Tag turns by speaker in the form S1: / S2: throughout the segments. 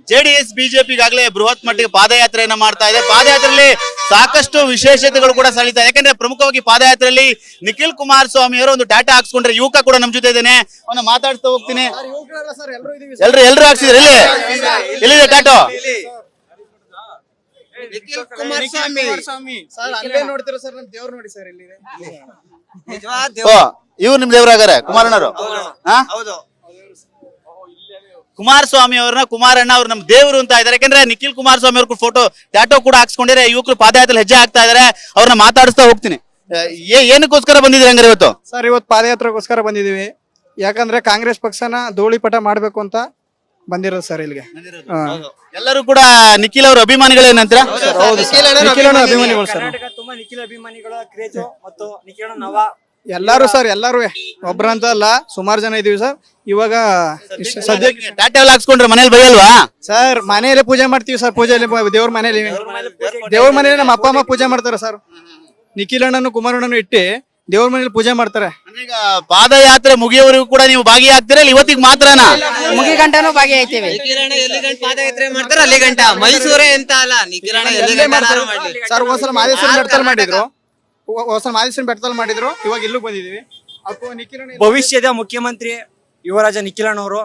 S1: JDS BJP ಈಗಾಗಲೇ ಬೃಹತ್ ಮಟ್ಟಿಗೆ ಪಾದಯಾತ್ರೆಯನ್ನ ಮಾಡ್ತಾ ಇದೆ. ಪಾದಯಾತ್ರೆಯಲ್ಲಿ ಸಾಕಷ್ಟು ವಿಶೇಷತೆಗಳು ಕೂಡ ಸಳಿತಾ ಇದೆ. ಯಾಕಂದ್ರೆ ಪ್ರಮುಖವಾಗಿ ಪಾದಯಾತ್ರೆಯಲ್ಲಿ ನಿಖಿಲ್ ಕುಮಾರಸ್ವಾಮಿ ಅವರು ಒಂದು ಟಾಟಾ ಹಾಕ್ಸ್ಕೊಂಡ್ರೆ, ಯುವಕ ಕೂಡ ನಮ್ ಜೊತೆ ಇದ್ದೇನೆ, ಅವನ್ನ ಮಾತಾಡ್ತಾ ಹೋಗ್ತೀನಿ. ಎಲ್ರು ಹಾಕ್ಸಿದ್ರೆ ಎಲ್ಲಿದೆ ಟಾಟೋ?
S2: ನಿಖಿಲ್ ಕುಮಾರಸ್ವಾಮಿ ಸರ್ ಅಲ್ಲೇ ನೋಡ್ತೀರಾ ಸರ್, ನಮ್ ದೇವ್ರು ನೋಡಿ ಸರ್ ಇಲ್ಲಿ
S1: ಇವ್ರು ನಿಮ್ ದೇವ್ರಾಗಾರೆ ಕುಮಾರಣ್ಣರು.
S2: ಹೌದು.
S1: ಕುಮಾರಸ್ವಾಮಿ ಅವ್ರನ್ನ ಕುಮಾರಣ್ಣ ಅವ್ರು ನಮ್ ದೇವರು ಅಂತ ಇದಾರೆ. ಯಾಕಂದ್ರೆ ನಿಖಿಲ್ ಕುಮಾರಸ್ವಾಮಿ ಅವ್ರ ಫೋಟೋ ಟ್ಯಾಟೋ ಕೂಡ ಹಾಕ್ಸ್ಕೊಂಡಿದ್ರೆ, ಯುವಕರು ಪಾದಯಾತ್ರೆ ಹೆಜ್ಜೆ ಆಗ್ತಾ ಇದಾರೆ. ಅವ್ರನ್ನ ಮಾತಾಡಿಸ್ತಾ ಹೋಗ್ತೀನಿ. ಏನಕ್ಕೋಸ್ಕರ ಬಂದಿದ್ರಿ ಹಂಗಾರೆ ಇವತ್ತು?
S2: ಸರ್ ಇವತ್ತು ಪಾದಯಾತ್ರೆಗೋಸ್ಕರ ಬಂದಿದೀವಿ. ಯಾಕಂದ್ರೆ ಕಾಂಗ್ರೆಸ್ ಪಕ್ಷನ ಧೂಳಿಪಟ ಮಾಡ್ಬೇಕು ಅಂತ ಬಂದಿರೋದು ಸರ್ ಇಲ್ಲಿಗೆ.
S1: ಎಲ್ಲರೂ ಕೂಡ ನಿಖಿಲ್ ಅವ್ರ ಅಭಿಮಾನಿಗಳೇನಂತ?
S2: ಅಭಿಮಾನಿಗಳು ಸರ್,
S3: ತುಂಬಾ ನಿಖಿಲ್ ಅಭಿಮಾನಿಗಳ ಕ್ರೇಜು ಮತ್ತು ನಿಖಿಲ್ ನವ
S2: ಎಲ್ಲಾರು ಸರ್, ಎಲ್ಲಾರು ಒಬ್ರಂತ ಅಲ್ಲ, ಸುಮಾರು ಜನ ಇದೀವಿ ಸರ್. ಇವಾಗ ಸದ್ಯಕ್ಕೆ
S1: ಟಾಟಾ ಎಲ್ಲ ಹಾಕ್ಸ್ಕೊಂಡ್ರೆ ಮನೇಲಿ ಬೈಯಲ್ವಾ?
S2: ಸರ್ ಮನೆಯಲ್ಲೇ ಪೂಜೆ ಮಾಡ್ತೀವಿ ಸರ್. ಪೂಜೆಯಲ್ಲಿ ದೇವ್ರ ಮನೇಲಿ ನಮ್ಮ ಅಪ್ಪ ಅಮ್ಮ ಪೂಜೆ ಮಾಡ್ತಾರೆ ಸರ್. ನಿಖಿಲ್ ಅಣ್ಣನು ಕುಮಾರಣ್ಣನು ಇಟ್ಟು ದೇವ್ರ ಮನೇಲಿ ಪೂಜೆ ಮಾಡ್ತಾರೆ.
S1: ಈಗ ಪಾದಯಾತ್ರೆ ಮುಗಿಯವರೆಗೂ ಕೂಡ ನೀವು ಭಾಗಿಯಾಗ್ತೀರಾ? ಇವತ್ತಿಗೆ ಮಾತ್ರನಾ?
S4: ಮುಗಿ ಗಂಟನೂ ಭಾಗಿಯಾಗ್ತೇವೆ.
S5: ಪಾದಯಾತ್ರೆ ಮಾಡ್ತಾರೆ ಅಲ್ಲಿ ಗಂಟ. ಮೈಸೂರೇ ಅಂತ ಅಲ್ಲ, ನಿಖಿಲಣ್ಣ ಎಲ್ಲಿ ಗಂಟ
S2: ಸರ್. ಒಂದ್ಸಲ ಮಾದೇಶ್ವರನ ಬೆಟ್ಟದಲ್ಲಿ ಮಾಡಿದ್ರು, ಇವಾಗ ಇಲ್ಲೂ ಬಂದಿದೀವಿ.
S3: ಭವಿಷ್ಯದ ಮುಖ್ಯಮಂತ್ರಿ ಯುವರಾಜ ನಿಖಿಲಣ್ಣವರು.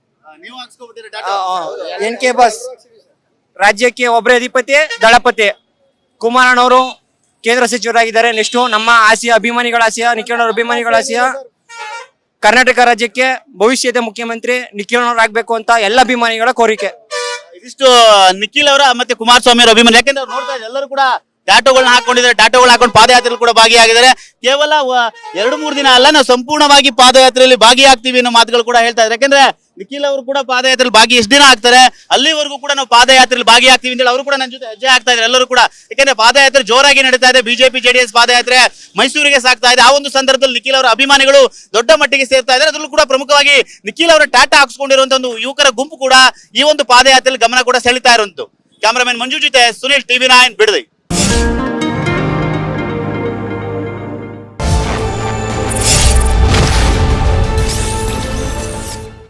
S3: ಎನ್ ಕೆ ಬಸ್ ರಾಜ್ಯಕ್ಕೆ ಒಬ್ಬರೇ ಅಧಿಪತಿ, ದಳಪತಿ. ಕುಮಾರಣ್ಣವರು ಕೇಂದ್ರ ಸಚಿವರಾಗಿದ್ದಾರೆ. ನೆಕ್ಸ್ಟ್ ನಮ್ಮ ಆಸೆಯ ಅಭಿಮಾನಿಗಳ ಆಸೆಯ, ನಿಖಿಲಣ್ಣವ್ರ ಅಭಿಮಾನಿಗಳ ಆಸೆಯ, ಕರ್ನಾಟಕ ರಾಜ್ಯಕ್ಕೆ ಭವಿಷ್ಯದ ಮುಖ್ಯಮಂತ್ರಿ ನಿಖಿಲಣ್ಣವ್ರು ಆಗ್ಬೇಕು ಅಂತ ಎಲ್ಲ ಅಭಿಮಾನಿಗಳ ಕೋರಿಕೆ.
S1: ಇದಿಷ್ಟು ನಿಖಿಲ್ ಅವರ ಮತ್ತೆ ಕುಮಾರಸ್ವಾಮಿ ಅವರ ಅಭಿಮಾನಿ. ಯಾಕಂದ್ರೆ ಅವ್ರು ನೋಡ್ತಾ ಇದ್ದಾರೆ, ಎಲ್ಲರೂ ಕೂಡ ಟ್ಯಾಟೋಗಳನ್ನ ಹಾಕೊಂಡಿದ್ದಾರೆ. ಟ್ಯಾಟೋಗಳು ಹಾಕೊಂಡು ಪಾದಯಾತ್ರೆಯಲ್ಲಿ ಕೂಡ ಭಾಗಿಯಾಗಿದ್ದಾರೆ. ಕೇವಲ 2-3 ದಿನ ಅಲ್ಲ, ನಾವು ಸಂಪೂರ್ಣವಾಗಿ ಪಾದಯಾತ್ರೆಯಲ್ಲಿ ಭಾಗಿಯಾಗ್ತೀವಿ ಅನ್ನೋ ಮಾತುಗಳು ಕೂಡ ಹೇಳ್ತಾ ಇದ್ದಾರೆ. ಯಾಕಂದ್ರೆ ನಿಖಿಲ್ ಅವರು ಕೂಡ ಪಾದಯಾತ್ರೆಯಲ್ಲಿ ಭಾಗಿ ಎಷ್ಟು ದಿನ ಆಗ್ತಾರೆ, ಅಲ್ಲಿವರೆಗೂ ಕೂಡ ನಾವು ಪಾದಯಾತ್ರೆಯಲ್ಲಿ ಭಾಗಿಯಾಗ್ತೀವಿ ಅಂತ ಹೇಳಿ ಅವರು ಕೂಡ ನನ್ನ ಜೊತೆ ಹೆಜ್ಜೆ ಆಗ್ತಾ ಇದ್ದಾರೆ. ಎಲ್ಲರೂ ಕೂಡ, ಯಾಕಂದ್ರೆ ಪಾದಯಾತ್ರೆ ಜೋರಾಗಿ ನಡೀತಾ ಇದೆ. ಬಿಜೆಪಿ ಜೆಡಿಎಸ್ ಪಾದಯಾತ್ರೆ ಮೈಸೂರಿಗೆ ಸಾಗ್ತಾ ಇದೆ. ಆ ಒಂದು ಸಂದರ್ಭದಲ್ಲಿ ನಿಖಿಲ್ ಅವರ ಅಭಿಮಾನಿಗಳು ದೊಡ್ಡ ಮಟ್ಟಿಗೆ ಸೇರ್ತಾ ಇದ್ದಾರೆ. ಅದರಲ್ಲೂ ಕೂಡ ಪ್ರಮುಖವಾಗಿ ನಿಖಿಲ್ ಅವರ ಟಾಟಾ ಹಾಕ್ಸ್ಕೊಂಡಿರುವಂತಹ ಒಂದು ಯುವಕರ ಗುಂಪು ಕೂಡ ಈ ಒಂದು ಪಾದಯಾತ್ರೆಯಲ್ಲಿ ಗಮನ ಕೂಡ ಸೆಳೀತಾ ಇರುವಂತದ್ದು. ಕ್ಯಾಮರಾಮನ್ ಮಂಜು ಜೊತೆ ಸುನಿಲ್, TV9 ಬಿಡದಿ.